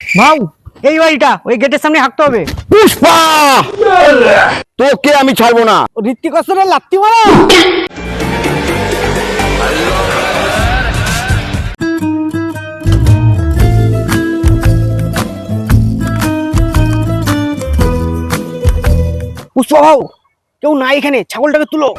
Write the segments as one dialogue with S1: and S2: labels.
S1: ভাউ এই বাড়িটা ওই গেটের সামনে হাঁটতে হবে।
S2: পুষ্পা তোকে আমি ছাড়বো না।
S1: ঋত্বিক রোশনের লাত্তি মারা। পুষ্পা ভাউ কেউ নাই এখানে, ছাগলটাকে তুলো।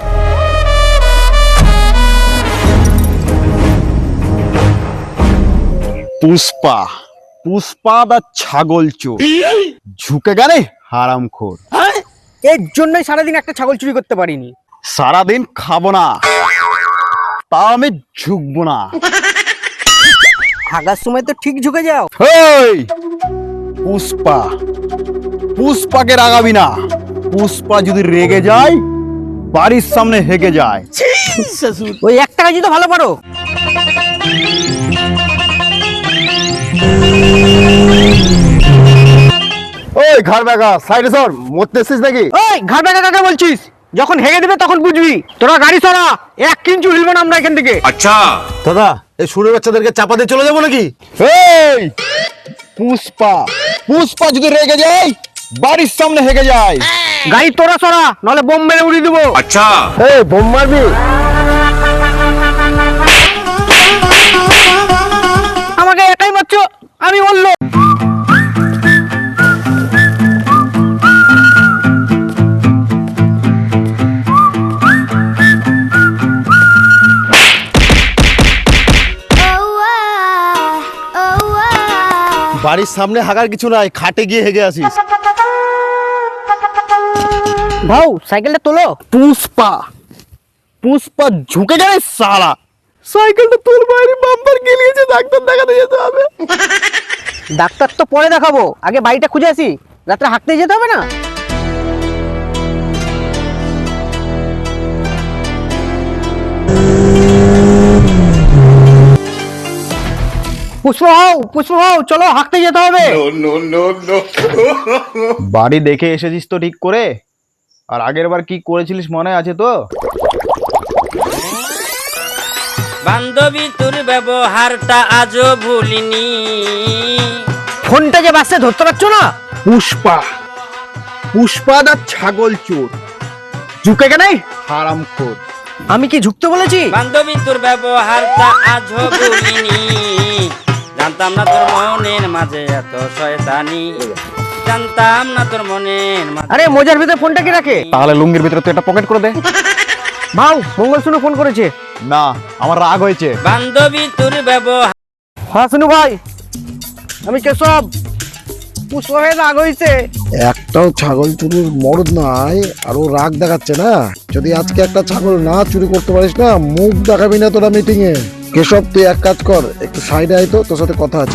S2: পুষ্পা পুষ্পা দা ছাগল চোর ঝুঁকে গেলে হারামখোর।
S1: এর জন্যই সারাদিন একটা ছাগল চুরি করতে পারিনি।
S2: সারাদিন খাবো না, তা আমি ঝুঁকবো না।
S1: হাগার সময় তো ঠিক ঝুঁকে যাও।
S2: হেই পুষ্পা, পুষ্পাকে রাগাবি না। পুষ্পা যদি রেগে যায় বাড়ির সামনে হেগে যায়।
S1: ওই একটা কাজই তো ভালো পারো।
S2: ওই ঘর বেগা সাইডে সর, মরতেছিস নাকি?
S1: ওই ঘাট বেকা কাকে বলছিস? যখন হেগে দেবে তখন বুঝবি। তোরা গাড়ি সরা, 1 ইঞ্চি হিলবো না আমরা এখান থেকে।
S3: দাদা এই সুরের বাচ্চাদেরকে চাপা দিয়ে চলে যাবো নাকি?
S2: এই পুষ্পা, পুষ্পা যদি রেগে যায় বাড়ির সামনে হেগে যায়।
S1: গাড়ি তোরা সরা, নাহলে বোম মেরে উড়িয়ে দেবো।
S2: এই বোম মারবি?
S1: আমাকে একাই মারছো, আমি বললো।
S3: বাড়ির সামনে হাগার কিছু নাই, খাটে গিয়ে হেগে আসিস।
S1: ভাউ সাইকেলটা তোলো।
S2: পুষ্পা, পুষ্পা ঝুঁকে যায় সালা। সাইকেলটা তোর বাইরে বাম্পার গেলিয়েছে, ডাক্তার দেখাতে যেতে হবে।
S1: ডাক্তার তো পরে দেখাবো, আগে বাড়িটা খুঁজে আসি। রাত্রে হাঁটতে যেতে হবে না? পুষ্পা হও, পুষ্পা হও, চলো হাঁটতে যেতে হবে।
S2: বাড়ি দেখে এসেছিস তো ঠিক করে? আর আগের বার কি করেছিলিস মনে আছে তো?
S4: বান্ধবী তোর ব্যবহারটা আজও ভুলিনি।
S1: ফোনটা যে বাসে ধরতে পারছো না।
S2: পুষ্পা, পুষ্পা দা ছাগল চোর ঝুঁকে গেলে হারামখোর।
S1: আমি কি ঝুঁকতে বলেছি?
S4: বান্ধবী তোর ব্যবহারটা আজও ভুলিনি। জানতাম না তোর মনের মাঝে এত শয়তানি। জানতাম না তোর মনের মাঝে।
S1: আরে মোজার ভিতরে ফোনটা কি রাখে?
S2: তাহলে লুঙ্গির ভিতরে তুই একটা পকেট করে দে।
S1: ভাউ মঙ্গল শুনু ফোন করেছে।
S2: না, আমার রাগ হয়েছে।
S4: বান্ধবী তোর ব্যবহার।
S1: হ্যাঁ শুনু ভাই, আমি কেশব। পুষ্পা হয়ে রাগ হয়েছে।
S5: একটাও ছাগল চুরির মরদ নাই, আর ও রাগ দেখাচ্ছে না। যদি আজকে একটা ছাগল না চুরি করতে পারিস না, মুখ দেখাবি না তোরা মিটিং এ। কেশব তুই এক কাজ কর, একটু সাইডে আয় তো, তোর সাথে কথা আছে।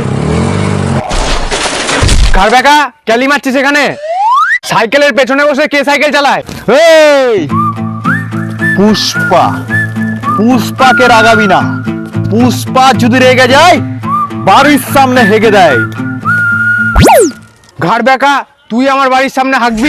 S1: কার বেকা ক্যালি মারছিস এখানে? সাইকেলের পেছনে বসে কে সাইকেল চালায়?
S2: এই পুষ্পা, পুষ্পাকে রাগাবি না। পুষ্পা যদি রেগে যায় বাড়ির সামনে হেগে দেয়।
S1: ঘাড় বেকা তুই আমার বাড়ির সামনে হাঁকবি?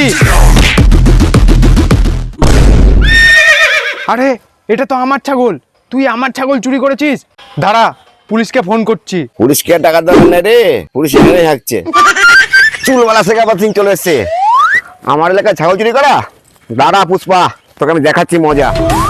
S1: আরে এটা তো আমার ছাগল, তুই আমার ছাগল চুরি করেছিস। দাঁড়া, পুলিশকে ফোন করছি।
S3: পুলিশকে টাকা দেবেন না রে, পুলিশ এখানেই হাঁকছে। চুলওয়ালা থেকে আবার সিং চলে এসছে। আমার এলাকায় ছাগল চুরি করা? দাঁড়া পুষ্পা, তোকে আমি দেখাচ্ছি মজা।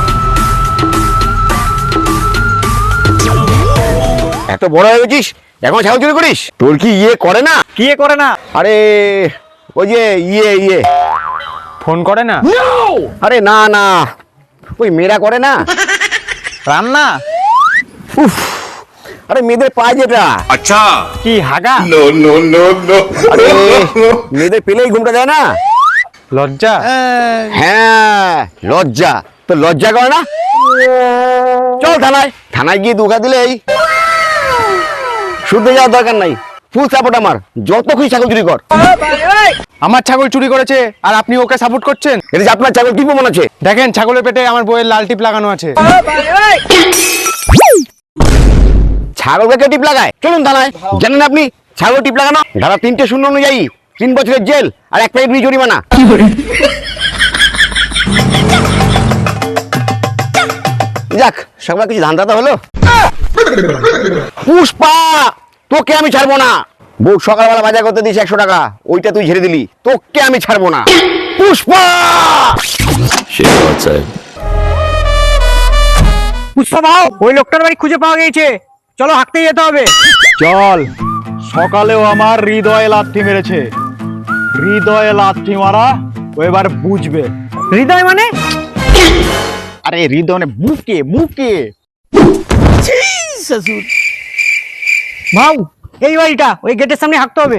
S3: এত বড় হয়ে গেছিস এখন ছাগল চুরি করিস? তোর কি ইয়ে করে না?
S1: কি করে না?
S3: আরে ওই যে ইয়ে
S1: ফোন করে না?
S3: আরে না না, ওই মেয়েরা করে না
S1: রান্না?
S3: উফ, আরে মেয়েদের পায় যেটা।
S1: কি হাগা?
S3: আরে মেয়েদের পেলেই ঘুমটা যায় না।
S1: লজ্জা?
S3: হ্যাঁ লজ্জা। তো লজ্জা করে না? চল থানায়, থানায় গিয়ে দুঘা দিলেই শুনতে যাওয়ার দরকার নাই। ফুল সাপোর্ট আমার, যত খুশি ছাগল চুরি কর।
S1: আমার ছাগল চুরি করেছে আর আপনি ওকে সাপোর্ট করছেন?
S3: এটা যে আপনার ছাগল কি মনে আছে?
S1: দেখেন ছাগলের পেটে আমার বইয়ের লাল টিপ লাগানো আছে।
S3: ছাগলকে টিপ লাগায়? চলুন থানায়। জানেন আপনি ছাগল টিপ লাগানো ধারা 3-0 অনুযায়ী 3 বছরের জেল আর 1 প্যাকেট বিড়ি জরিমানা। যাক, সকালে কিছু ধান্দা তো হলো। পুষ্পা তোকে আমি ছাড়বো না। বউ সকালবেলা বাজার করতে দিস 100 টাকা, ওইটা তুই ঝেড়ে দিলি, তোকে আমি ছাড়বো না। পুষ্পা!
S1: পুষ্পা ভাও, ওই লোকটার বাড়ি খুঁজে পাওয়া গেছে, চলো হাঁটতে যেতে হবে।
S2: চল। সকালেও আমার হৃদয়ে লাথি মেরেছে, হৃদয়ে লাথি মারা ও এবার বুঝবে।
S1: হৃদয় মানে?
S2: আরে হৃদয় মানে বুকে বুকে।
S1: ভাও, এই বাড়িটা, ওই গেটের সামনে হাঁটতে হবে।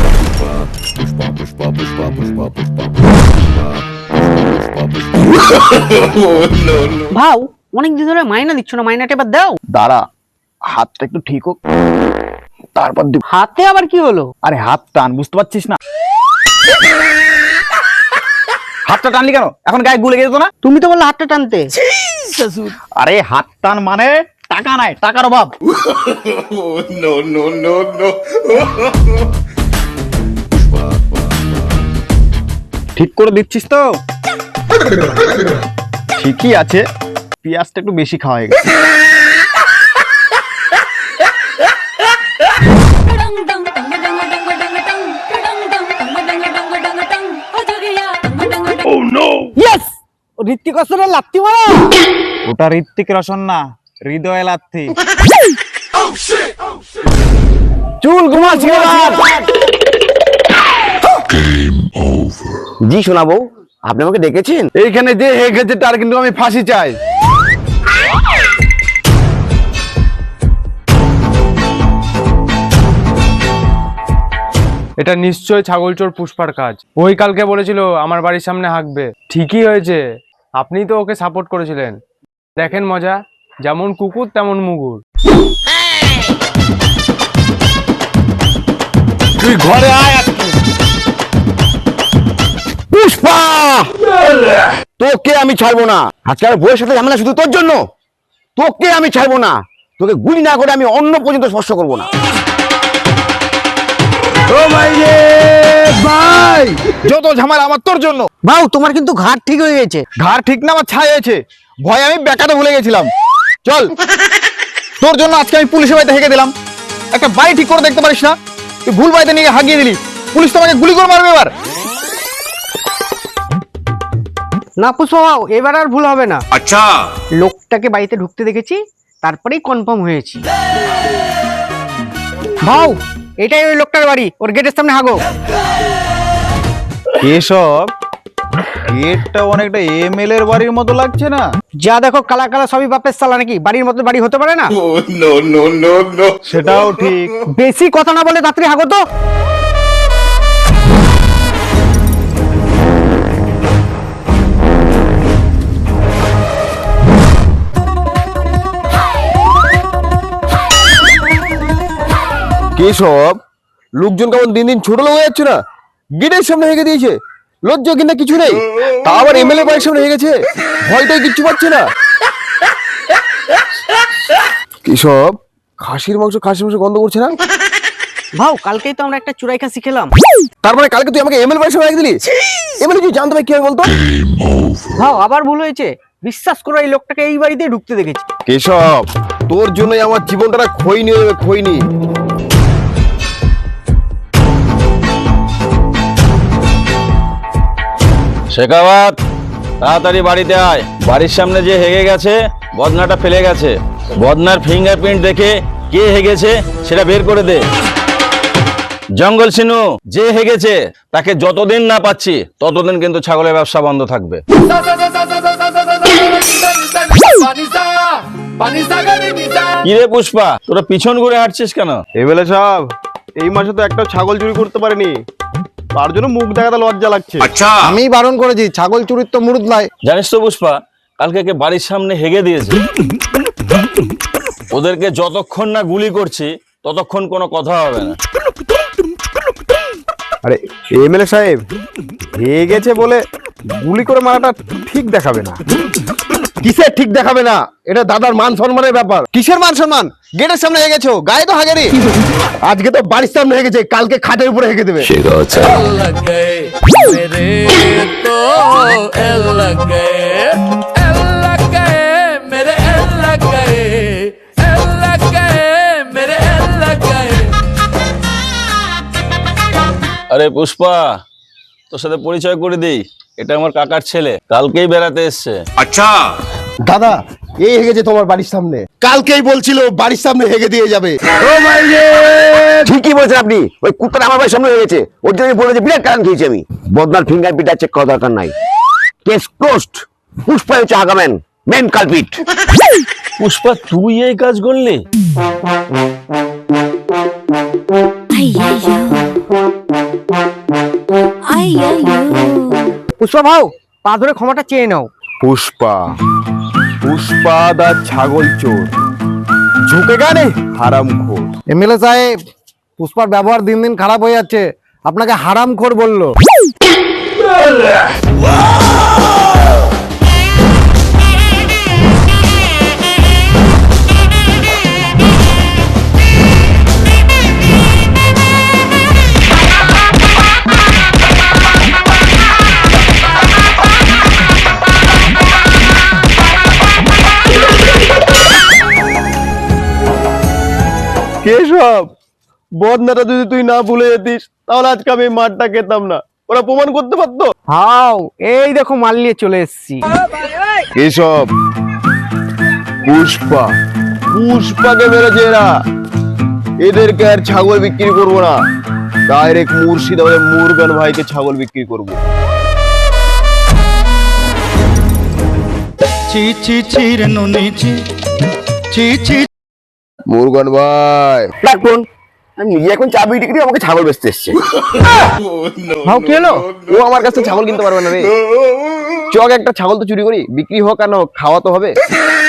S1: ভাও, অনেকদিন ধরে মাইনা দিচ্ছ না, মাইনাটা এবার দাও।
S2: দাঁড়া, হাতটা একটু ঠিক হোক, তারপর দিব।
S1: হাতে আবার কি হলো?
S2: আরে হাত টান, বুঝতে পারছিস না? হাতটা টানলি কেন? এখন গায়ে গুলে গেছে না?
S1: তুমি তো বললে হাতটা টানতে।
S2: আরে হাত টান মানে টাকা নাই, টাকার অভাব। ঠিক করে দিচ্ছিস তো? ঠিকই আছে, পেঁয়াজটা একটু বেশি খাওয়া হয়ে গেছে।
S1: ইয়েস, ঋত্বিক রোশনের লাত্তি মারা।
S2: ওটা ঋত্বিক রোশন না, হৃদয় লাথি।
S3: চুল ঘুমাচ্ছি। জি শোনা বউ, আপনি আমাকে ডেকেছেন?
S2: এইখানে যে হেগেছে তার কিন্তু আমি ফাঁসি চাই।
S6: এটা নিশ্চয় ছাগলচোর পুষ্পার কাজ। ওই কালকে বলেছিল আমার বাড়ির সামনে হাঁকবে, ঠিকই হয়েছে। আপনিই তো ওকে সাপোর্ট করেছিলেন। দেখেন মজা, যেমন কুকুর তেমন মুগুর।
S2: তুই ঘরে আয়।
S3: পুষ্পা, তোকে আমি ছাড়বো না। আজকে আর বউয়ের সাথে ঝামেলা শুধু তোর জন্য। তোকে আমি ছাড়বো না, তোকে গুলি না করে আমি অন্য পর্যন্ত স্পর্শ করবো না।
S2: ও ভাই রে ভাই, যত ঝামেলা আমার তোর জন্য।
S1: ভাও, তোমার কিন্তু ঘাট ঠিক হয়ে গেছে।
S2: ঘাড় ঠিক না, আমার ছাই হয়েছে। ভয় আমি বেকাতে ভুলে গেছিলাম। চল, তোর জন্য আজকে আমি পুলিশের বাড়িতে হেগে দিলাম। একটা বাড়ি ঠিক করে দেখতে পারিস না? তুই ভুল বাড়িতে নিয়ে হাগিয়ে দিলি। পুলিশ তোমাকে গুলি করে মারবে এবার।
S1: না পুষ্পা ভাও, এবার আর ভুল হবে না। আচ্ছা, লোকটাকে বাড়িতে ঢুকতে দেখেছি, তারপরেই কনফার্ম হয়েছি। ভাও, এটাই ওই লোকটার বাড়ি, ওর গেটের সামনে হাগো।
S2: এসব গেটটা অনেকটা এমএলএ এর বাড়ির মতো লাগছে না?
S1: যা দেখো, কালা কালা সবই বাপের সালা নাকি? বাড়ির মতো বাড়ি হতে পারে না?
S2: সেটাও ঠিক।
S1: বেশি কথা না বলে তাড়াতাড়ি হাগো তো।
S3: কেসব, লোকজন কেমন দিন দিন ছোট লোক হয়ে যাচ্ছে না? গেটের সামনে হেগে দিয়েছে, লজ্জা কিনা কিছু নেই। তা আবার এমএলএ বাড়ির সামনে হেগেছে, ভয়টাই কিচ্ছু পাচ্ছে না। কেসব, খাসির মাংস গন্ধ করছে না?
S1: ভাও, কালকেই তো আমরা একটা চুরাই খাসি খেলাম।
S3: তার মানে কালকে তুই আমাকে এমএলএ বাড়ির সামনে হেগে দিলি? এমএলএ তুই জানতে পারি কি হবে বলতো?
S1: ভাও, আবার ভুল হয়েছে। বিশ্বাস করো, এই লোকটাকে এই বাড়িতে ঢুকতে দেখেছি।
S3: কেশব, তোর জন্যই আমার জীবনটা খৈনি হয়ে যাবে, খৈনি।
S4: শেখাওয়াত, তাড়াতাড়ি বাড়িতে আয়। বাড়ির সামনে যে হেগে গেছে, বদনাটা ফেলে গেছে। বদনার ফিঙ্গারপ্রিন্ট দেখে কে হেগেছে সেটা বের করে দে। জঙ্গল সিনু, যে হেগেছে তাকে যতদিন না পাচ্ছি ততদিন কিন্তু ছাগলের ব্যবসা বন্ধ থাকবে। কিরে পুষ্পা, তোরা পিছন ঘুরে হাঁটছিস কেন?
S2: এমএলএ সাহেব, এই মাসে তো একটা ছাগল চুরি করতে পারিনি, তার জন্য মুখ দেখাতে লজ্জা লাগছে।
S5: আমি বারণ করেছি, ছাগল চুরির তো মুরুদ নাই।
S4: জানিস তো পুষ্পা, কালকে কে বাড়ির সামনে হেগে দিয়েছে। ওদেরকে যতক্ষণ না গুলি করছি ততক্ষণ কোনো কথা হবে না।
S2: আরে এমএলএ সাহেব, হেগে গেছে বলে গুলি করে মারাটা ঠিক দেখাবে না।
S3: কিসের ঠিক দেখাবে না? এটা দাদার মান সম্মানের ব্যাপার।
S2: কিসের মান সম্মান? গেটের সামনে হেগে গেছো, গায়ে তো হাগেনি।
S3: আজকে তো বাড়ির সামনে হেগেছে, কালকে খাটের উপরে হেগে দেবে।
S4: আরে পুষ্পা, তোর সাথে পরিচয় করে দিই, এটা আমার কাকার ছেলে, কালকেই বেড়াতে এসছে।
S3: দাদা, এই হেগেছে তোমার বাড়ির সামনে, কালকেই বলছিল বাড়ির সামনে হেগে দিয়ে যাবে। ঠিকই বলছেন আপনি, ওই কুত্তাটা আমার বাড়ির সামনে হেগেছে, ওর জন্য বলে যে বিরাট কারণ খেয়েছি আমি। বদনার ফিঙ্গারপ্রিন্ট চেক করা দরকার নাই, কেস ক্লোজড। পুষ্পা হচ্ছে আগামেন মেন কালপিট।
S4: পুষ্পা, তুই এই কাজ করলি?
S7: Ay, ay, yo. Ay, ay, yo.
S1: Pushpa ভাও, পা ধরে ক্ষমাটা চেয়ে নাও।
S2: পুষ্পা, পুষ্পা দা ছাগল চোর, ঝুঁকে গানে হারামখোর।
S5: এমএলএ সাহেব, পুষ্পার ব্যবহার দিন দিন খারাপ হয়ে যাচ্ছে, আপনাকে হারামখোর বললো।
S2: কেশব, বদনাটা যদি তুই না ভুলে যেতিস তাহলে আজকে আমি এই মাঠটা খেতাম না, ওরা প্রমাণ করতে পারতো।
S1: হাও, এই দেখো মাল নিয়ে চলে এসেছি।
S2: কেশব, পুষ্পা, পুষ্পাকে মেরেছে এরা, এদেরকে আর ছাগল বিক্রি করবো না, ডাইরেক্ট মুর্শিদাবাদে মুরগান ভাইকে ছাগল বিক্রি করবো। মুরগান ভাই,
S3: রাখুন, আমি নিজে এখন চা বিক্রি করি, আমাকে ছাগল বেচতে এসছে।
S1: হাও, কি হলো?
S2: ও আমার কাছে ছাগল কিনতে পারবে না রে। চক একটা ছাগল তো চুরি করি, বিক্রি হোক আর না হোক, খাওয়া তো হবে।